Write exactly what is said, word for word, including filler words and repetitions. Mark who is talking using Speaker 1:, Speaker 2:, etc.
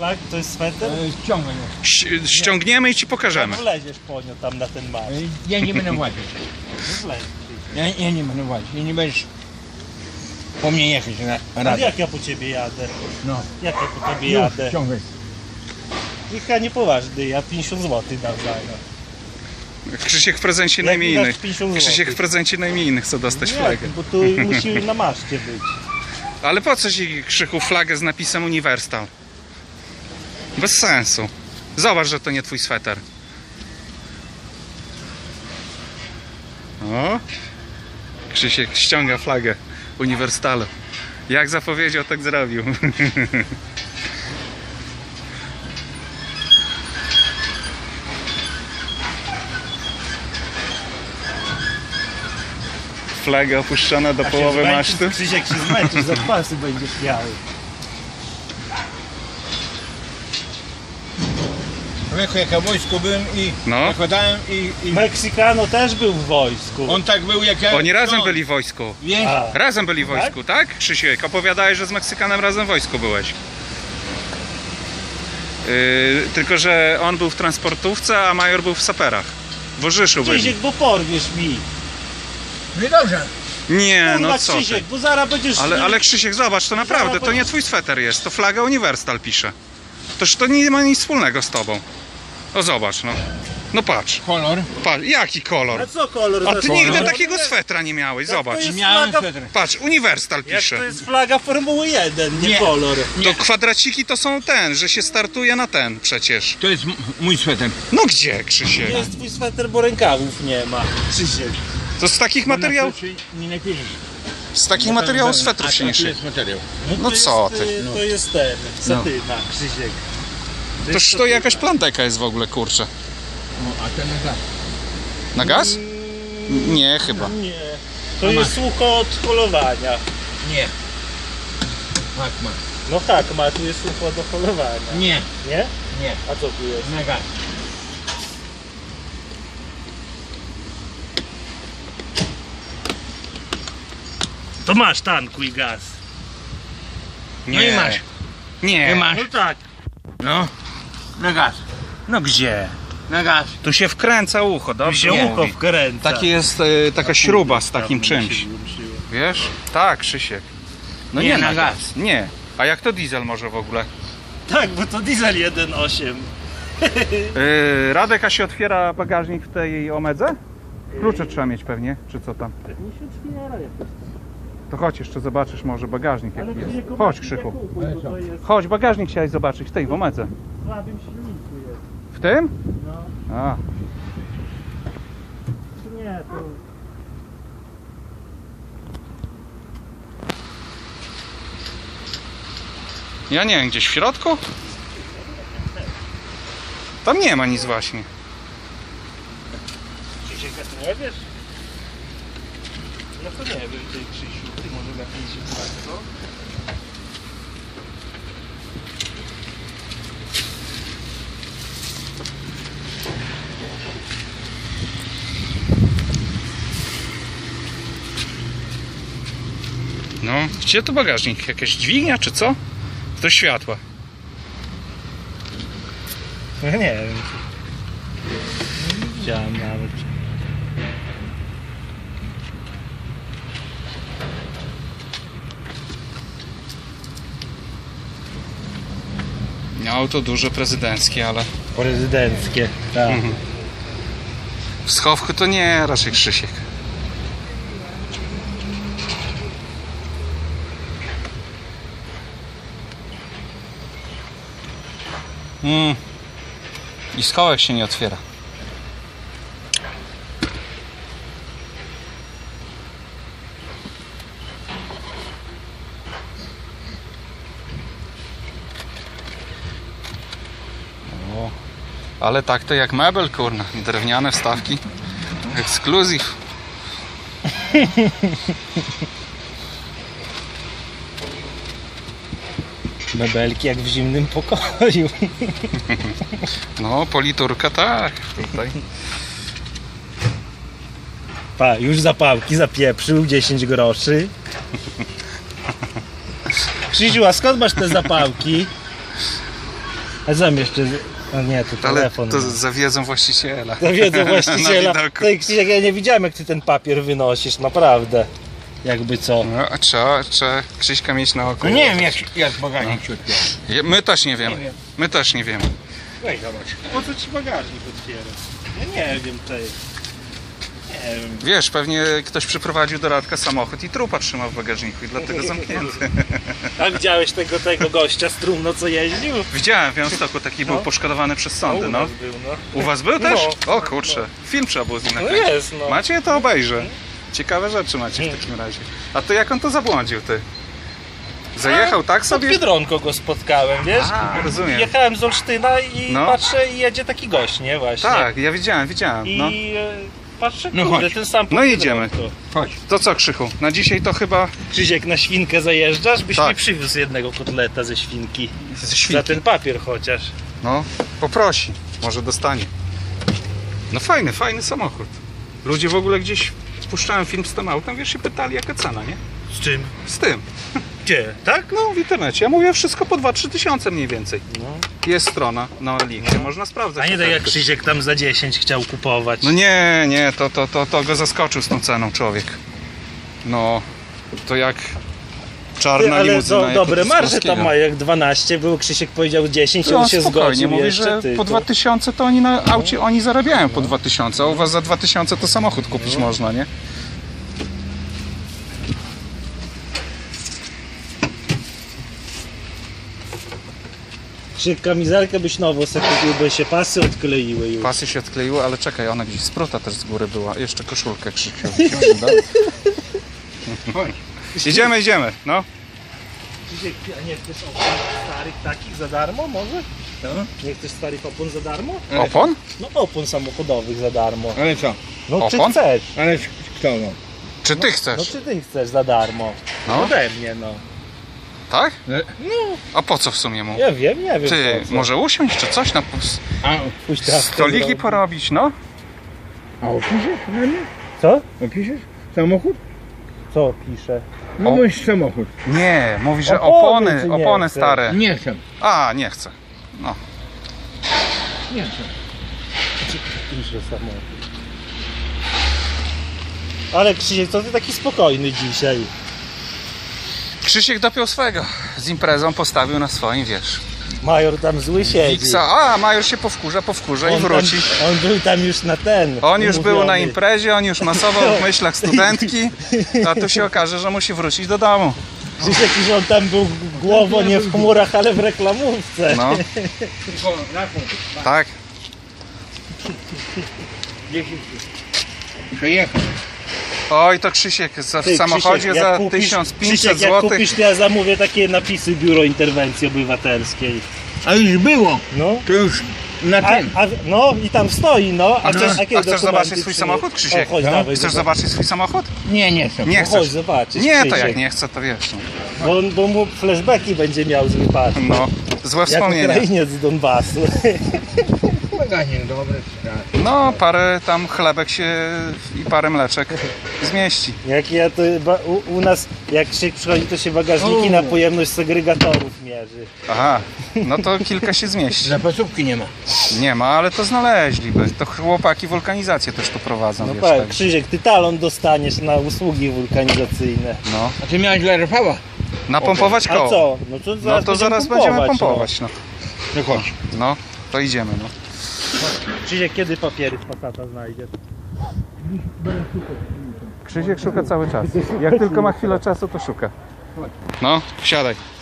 Speaker 1: flag? To jest sweter?
Speaker 2: Ściągnę.
Speaker 3: Ś- ściągniemy i ci pokażemy.
Speaker 1: Wleziesz po nią tam na ten marsz.
Speaker 2: Ja nie będę łazić.
Speaker 1: No wleć.
Speaker 2: Ja, ja nie będę łazić. Ja nie będziesz po mnie jechać na
Speaker 1: Ale
Speaker 2: radę.
Speaker 1: jak ja po ciebie jadę?
Speaker 2: No.
Speaker 1: Jak ja po tobie
Speaker 2: Już,
Speaker 1: jadę?
Speaker 2: ściągaj.
Speaker 1: Niech ja nie poważny, ja pięćdziesiąt złotych dam za nią.
Speaker 3: Krzysiek w prezencie
Speaker 1: Jak
Speaker 3: na imieniny.
Speaker 1: mi dasz pięćdziesiąt
Speaker 3: Krzysiek w
Speaker 1: złotych?
Speaker 3: prezencie na imieniny chce dostać
Speaker 1: Nie,
Speaker 3: flagę.
Speaker 1: bo tu musi na maszcie być.
Speaker 3: Ale po co ci, Krzychu, flagę z napisem Uniwersal? Bez sensu. Zobacz, że to nie twój sweter. O! Krzysiek ściąga flagę Uniwersalu. Jak zapowiedział, tak zrobił. Flaga opuszczona do
Speaker 1: A się
Speaker 3: połowy
Speaker 1: zmęczysz,
Speaker 3: masztu.
Speaker 1: Krzysiek się zmęczysz, za pasy będziesz miał.
Speaker 2: Człowieku, jak ja w wojsku byłem i
Speaker 3: No.
Speaker 2: zakładałem i, i
Speaker 1: Meksykano też był w wojsku.
Speaker 2: on tak był jak ja.
Speaker 3: Oni razem
Speaker 2: no,
Speaker 3: byli w wojsku.
Speaker 2: Wiesz?
Speaker 1: A,
Speaker 3: Razem byli w wojsku, tak? Krzysiek, opowiadałeś, że z Meksykanem razem w wojsku byłeś. Yy, tylko, że on był w transportówce, a major był w saperach. W Orzyszu byli.
Speaker 1: Krzysiek, bo porwiesz mi.
Speaker 2: No i dobrze.
Speaker 3: Nie,
Speaker 1: Kurwa,
Speaker 3: no co ty.
Speaker 1: Krzysiek, bo zaraz będziesz...
Speaker 3: Ale, ale Krzysiek, zobacz, to naprawdę, to nie twój sweter jest, to flaga Uniwersal pisze. Toż to nie ma nic wspólnego z tobą. No zobacz, no. No patrz,
Speaker 2: Kolor.
Speaker 3: patrz, jaki kolor.
Speaker 1: A co kolor?
Speaker 3: A
Speaker 1: za
Speaker 3: ty
Speaker 1: kolor?
Speaker 3: nigdy takiego swetra nie miałeś,
Speaker 1: Jak
Speaker 3: zobacz.
Speaker 1: to jest
Speaker 2: Miałem
Speaker 1: flaga-
Speaker 2: sweter.
Speaker 3: Patrz, Uniwersal
Speaker 1: Jak
Speaker 3: pisze.
Speaker 1: to jest flaga Formuły jeden, nie,
Speaker 2: Nie.
Speaker 1: kolor.
Speaker 3: To kwadraciki to są ten, że się startuje na ten przecież.
Speaker 2: To jest m- mój sweter.
Speaker 3: No gdzie, Krzysiek?
Speaker 1: Nie jest twój sweter, bo rękawów nie ma. Krzysiek.
Speaker 3: To z takich materiałów,
Speaker 2: Nie napiszesz.
Speaker 3: z takich materiałów swetrów się nie
Speaker 2: A to
Speaker 3: szyje.
Speaker 2: jest materiał.
Speaker 3: No
Speaker 1: to
Speaker 3: co
Speaker 1: jest,
Speaker 3: ty?
Speaker 1: y, To jest ten, satyna, Krzysiek. To
Speaker 3: Toż
Speaker 1: jest
Speaker 3: to
Speaker 1: satyna.
Speaker 3: jakaś planteka jest w ogóle, kurczę.
Speaker 2: No, a ten na
Speaker 3: Na gaz? Nie, chyba.
Speaker 1: Nie. To jest sucho od holowania.
Speaker 2: Nie. Tak ma.
Speaker 1: No tak, ma, tu jest sucho do holowania.
Speaker 2: Nie.
Speaker 1: Nie?
Speaker 2: Nie.
Speaker 1: A co tu jest?
Speaker 2: Na gaz.
Speaker 1: To masz tankuj gaz.
Speaker 2: No i masz.
Speaker 3: Nie.
Speaker 2: I masz.
Speaker 1: No tak.
Speaker 2: No. Na gaz.
Speaker 3: No gdzie?
Speaker 2: Na gaz.
Speaker 3: Tu się wkręca ucho,
Speaker 1: Tu
Speaker 3: dobrze
Speaker 1: się
Speaker 3: mówi.
Speaker 1: ucho wkręca.
Speaker 3: Taki jest e, taka śruba z takim
Speaker 1: Dawno mi
Speaker 3: czymś.
Speaker 1: się włączyło.
Speaker 3: Wiesz? Tak, Krzysiek. No nie,
Speaker 2: Nie,
Speaker 3: na
Speaker 2: na
Speaker 3: gaz.
Speaker 2: gaz.
Speaker 3: Nie. A jak to diesel może w ogóle?
Speaker 1: Tak, bo to diesel jeden osiem.
Speaker 3: Yy, Radek, a się otwiera bagażnik w tej Omedze? Klucze trzeba mieć pewnie, czy co tam?
Speaker 1: Pewnie się otwiera jakoś.
Speaker 3: To chodź jeszcze zobaczysz może bagażnik jaki
Speaker 1: Ale
Speaker 3: jest.
Speaker 1: nie
Speaker 3: Chodź, Krzychu.
Speaker 1: kupuj, bo to jest
Speaker 3: Chodź, bagażnik chciałeś zobaczyć w tej w Omedze.
Speaker 1: w słabym silniku jest.
Speaker 3: W tym?
Speaker 1: No.
Speaker 3: A.
Speaker 1: Nie, to...
Speaker 3: Ja nie wiem, gdzieś w środku? Tam nie ma nic właśnie.
Speaker 1: Krzysiek, a ty nie wiesz? No to nie wiem, ty Krzysiu, ty może lepiej się znasz, co?
Speaker 3: No, gdzie tu bagażnik? Jakaś dźwignia czy co? To światła.
Speaker 1: Ja nie wiem. Nie widziałem nawet.
Speaker 3: No, auto duże, prezydenckie, ale
Speaker 1: Prezydenckie, tak.
Speaker 3: Mhm. w schowku to nie, raczej Krzysiek. Mm. I schowek się nie otwiera. O, ale tak to jak mebel, kurna. Drewniane wstawki. Ekskluzyw.
Speaker 1: Mebelki jak w zimnym pokoju.
Speaker 3: No, politurka tak. Tutaj.
Speaker 1: Pa, już zapałki zapieprzył, dziesięć groszy. Krzysiu, a skąd masz te zapałki? A znam jeszcze... A nie, to
Speaker 3: Ale
Speaker 1: telefon.
Speaker 3: to
Speaker 1: no.
Speaker 3: zawiedzą właściciela.
Speaker 1: Zawiedzą
Speaker 3: Na
Speaker 1: właściciela.
Speaker 3: widoku.
Speaker 1: Ty, Krzysiek, ja nie widziałem, jak ty ten papier wynosisz, naprawdę. Jakby co.
Speaker 3: No, a trzeba, trzeba Krzyśka mieć na oku.
Speaker 2: No nie wiem jak, jak bagażnik się otwiera.
Speaker 3: Je- My też nie wiemy.
Speaker 2: Nie wiem.
Speaker 3: My też nie wiemy.
Speaker 2: Weź zobacz.
Speaker 1: Po co ci bagażnik otwierasz? Ja nie wiem, tej. Nie wiem.
Speaker 3: Wiesz, pewnie ktoś przyprowadził do Radka samochód i trupa trzymał w bagażniku i dlatego zamknięty.
Speaker 1: A widziałeś tego, tego gościa z Trumno, co jeździł?
Speaker 3: Widziałem w Białymstoku, taki był
Speaker 1: No.
Speaker 3: poszkodowany przez
Speaker 1: No,
Speaker 3: sądy,
Speaker 1: u
Speaker 3: no.
Speaker 1: nas był, no.
Speaker 3: U was był też?
Speaker 1: No.
Speaker 3: O kurczę, film trzeba było z nim
Speaker 1: No
Speaker 3: nakręcić.
Speaker 1: jest, no.
Speaker 3: Macie? To obejrzę. Ciekawe rzeczy macie w takim razie. A to jak on to zabłądził, ty? Zajechał tak
Speaker 1: Pod
Speaker 3: sobie?
Speaker 1: Biedronką go spotkałem, wiesz?
Speaker 3: A, rozumiem.
Speaker 1: Jechałem z Olsztyna i
Speaker 3: No.
Speaker 1: patrzę i jedzie taki gość, nie? Właśnie.
Speaker 3: Tak, ja widziałem, widziałem.
Speaker 1: I
Speaker 3: No,
Speaker 1: e, patrzę,
Speaker 2: No
Speaker 1: kurde,
Speaker 2: chodź.
Speaker 1: ten sam pod
Speaker 3: No jedziemy.
Speaker 1: Biedronką.
Speaker 2: Chodź.
Speaker 3: to co, Krzychu? Na dzisiaj to chyba
Speaker 1: Krzysiek, na świnkę zajeżdżasz, byś
Speaker 3: Tak.
Speaker 1: mi przywiózł jednego kotleta ze świnki.
Speaker 3: ze
Speaker 1: Za
Speaker 3: świnki.
Speaker 1: ten papier chociaż.
Speaker 3: No, poprosi. Może dostanie. No fajny, fajny samochód. Ludzie w ogóle gdzieś puszczałem film z tym autem, wiesz, się pytali jaka cena, nie?
Speaker 1: Z czym?
Speaker 3: Z tym.
Speaker 1: Gdzie? Tak?
Speaker 3: No w internecie. Ja mówię wszystko po dwa trzy tysiące mniej więcej.
Speaker 1: No.
Speaker 3: Jest strona na linkie, można sprawdzać.
Speaker 1: A nie tak jak
Speaker 3: oferty.
Speaker 1: Krzysiek tam za dziesięć chciał kupować.
Speaker 3: No nie, nie, to, to, to, to go zaskoczył z tą ceną człowiek. No, to jak czarna
Speaker 1: Ty, ale
Speaker 3: limuzyna.
Speaker 1: do,
Speaker 3: jak
Speaker 1: dobre
Speaker 3: od
Speaker 1: marże
Speaker 3: Polskiego.
Speaker 1: tam ma, jak dwanaście był, Krzysiek powiedział dziesięć,
Speaker 3: No
Speaker 1: on się
Speaker 3: spokojnie,
Speaker 1: zgodził
Speaker 3: mówi,
Speaker 1: jeszcze,
Speaker 3: że
Speaker 1: ty,
Speaker 3: po
Speaker 1: to-
Speaker 3: dwa tysiące to oni na aucie oni zarabiają po dwa tysiące, a u was za dwa tysiące to samochód kupić można, nie?
Speaker 1: Krzysiek, kamizelkę byś nową sobie kupił, bo się pasy odkleiły już.
Speaker 3: Pasy się odkleiły, ale czekaj, ona gdzieś spruta też z góry była. Jeszcze koszulkę Krzysiu.
Speaker 2: Chodź.
Speaker 3: Idziemy, idziemy, no.
Speaker 1: Krzysiek, a nie chcesz opon starych takich za darmo może?
Speaker 2: No.
Speaker 1: Nie chcesz starych opon za darmo?
Speaker 2: Ale
Speaker 3: Opon?
Speaker 1: No opon samochodowych za darmo.
Speaker 2: Ale co?
Speaker 1: No czy
Speaker 3: Opon?
Speaker 1: chcesz?
Speaker 2: Ale kto no?
Speaker 3: Czy ty
Speaker 1: No
Speaker 3: chcesz?
Speaker 1: czy ty chcesz za darmo?
Speaker 3: No.
Speaker 1: Ode mnie no.
Speaker 3: Tak?
Speaker 2: No.
Speaker 3: A po co w sumie mu?
Speaker 1: Ja wiem, nie wiem
Speaker 3: Ty,
Speaker 1: po co.
Speaker 3: może usiąść czy coś na pus-
Speaker 2: A,
Speaker 1: Pójść teraz
Speaker 3: stoliki
Speaker 1: zrobić.
Speaker 3: porobić, no?
Speaker 2: a opiszesz na mnie?
Speaker 1: Co?
Speaker 2: Opiszesz? Samochód?
Speaker 1: Co pisze?
Speaker 2: No
Speaker 3: O.
Speaker 2: bądź samochód.
Speaker 3: Nie, mówi, że
Speaker 1: Opony,
Speaker 3: opony,
Speaker 1: czy nie
Speaker 3: opony
Speaker 1: chce?
Speaker 3: stare.
Speaker 2: Nie chcę.
Speaker 3: A, nie chcę. No.
Speaker 2: Nie chcę.
Speaker 1: Pisze samochód. Ale Krzysiek, to ty taki spokojny dzisiaj.
Speaker 3: Krzysiek dopiął swego. Z imprezą postawił na swoim, wiesz.
Speaker 1: Major tam zły siedzi.
Speaker 3: Wiksa, a Major się powkurza, powkurza i
Speaker 1: On
Speaker 3: wróci.
Speaker 1: Tam, on był tam już na ten.
Speaker 3: On już był na
Speaker 1: umówiony.
Speaker 3: imprezie, on już masował w myślach studentki, a tu się okaże, że musi wrócić do domu.
Speaker 1: Krzysiek, że on tam był głową nie w chmurach, ale w reklamówce.
Speaker 3: No,
Speaker 2: Tylko na punkt.
Speaker 3: tak.
Speaker 2: Przejechał.
Speaker 3: Oj, to Krzysiek za, w
Speaker 1: Ty,
Speaker 3: samochodzie
Speaker 1: Krzysiek, jak
Speaker 3: za
Speaker 1: kupisz-
Speaker 3: tysiąc pięćset
Speaker 1: Krzysiek, jak
Speaker 3: złotych.
Speaker 1: kupisz, to ja zamówię takie napisy Biuro Interwencji Obywatelskiej.
Speaker 2: A już było.
Speaker 1: No.
Speaker 2: To już na
Speaker 1: A,
Speaker 2: tym.
Speaker 1: a, no i tam stoi, no.
Speaker 3: A chcesz,
Speaker 1: jakie
Speaker 3: a chcesz
Speaker 1: dokumenty
Speaker 3: zobaczyć swój
Speaker 1: przynieść?
Speaker 3: samochód, Krzysiek?
Speaker 1: O, chodź,
Speaker 2: No.
Speaker 1: dawaj,
Speaker 3: Chcesz
Speaker 1: zobacz.
Speaker 3: zobaczyć swój samochód?
Speaker 2: Nie, nie chcę.
Speaker 3: Nie
Speaker 1: No, chodź
Speaker 3: chcesz.
Speaker 1: zobaczyć,
Speaker 3: Nie, to
Speaker 1: Krzysiek.
Speaker 3: jak nie chcę, to wiesz. No,
Speaker 1: Bo, bo mu flashbacki będzie miał z wypadku.
Speaker 3: no złe
Speaker 1: Jak
Speaker 3: wspomnienia.
Speaker 1: Ukrainiec z Donbasu.
Speaker 2: Bagażnik dobry. Tak.
Speaker 3: No, parę tam chlebek się i parę mleczek zmieści.
Speaker 1: Jak ja to ba, u, u nas, jak się przychodzi, to się bagażniki
Speaker 2: O.
Speaker 1: na pojemność segregatorów mierzy.
Speaker 3: Aha, no to kilka się zmieści.
Speaker 2: Zapasówki nie ma.
Speaker 3: Nie ma, ale to znaleźliby. To chłopaki wulkanizację też tu prowadzą,
Speaker 1: No
Speaker 3: wiesz,
Speaker 1: tak,
Speaker 3: tak.
Speaker 1: Krzysiek, ty talon dostaniesz na usługi wulkanizacyjne.
Speaker 3: No,
Speaker 2: A ty miałeś dla Rafała?
Speaker 3: napompować
Speaker 1: A
Speaker 3: koło.
Speaker 1: co? No to zaraz,
Speaker 3: No to zaraz będziemy pompować, no.
Speaker 2: No chodź.
Speaker 3: No, to idziemy, no.
Speaker 1: No. Krzysiek, kiedy papiery z Passata znajdziesz?
Speaker 3: Krzysiek szuka cały czas. Jak tylko ma chwilę czasu, to szuka. No, wsiadaj.